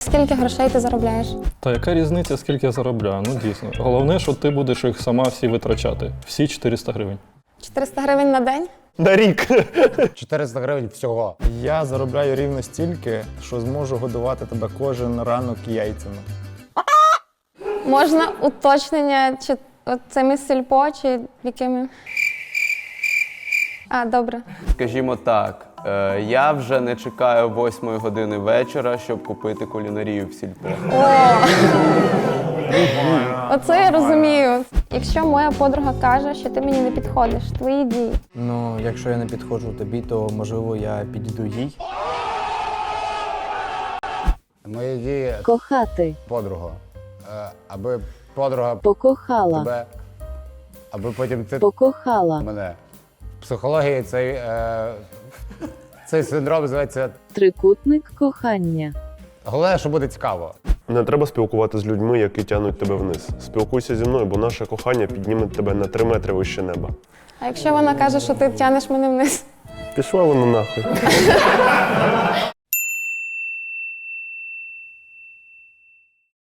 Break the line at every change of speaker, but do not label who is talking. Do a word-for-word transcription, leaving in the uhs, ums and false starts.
Скільки грошей ти заробляєш?
Та яка різниця, скільки я заробляю? Ну дійсно. Головне, що ти будеш їх сама всі витрачати. Всі чотириста гривень.
чотириста гривень на день?
На рік.
чотириста гривень всього.
Я заробляю рівно стільки, що зможу годувати тебе кожен ранок яйцями.
Можна уточнення, чи от цими сільпо, чи якими? А, добре.
Скажімо так, е, я вже не чекаю восьмої години вечора, щоб купити кулінарію в сільпо.
О! Оце я розумію. Якщо моя подруга каже, що ти мені не підходиш, твої дії.
Ну, якщо я не підходжу тобі, то можливо я підійду їй.
Мої дії,
Кохати.
подруга. Е, Аби подруга
Покохала.
тебе, аби потім ти
Покохала.
мене. В психології цей, е, цей синдром називається
Трикутник кохання.
головне, що буде цікаво.
Не треба спілкуватися з людьми, які тягнуть тебе вниз. Спілкуйся зі мною, бо наше кохання підніме тебе на три метри вище неба.
А якщо вона каже, що ти тянеш мене вниз?
Пішла вона нахуй.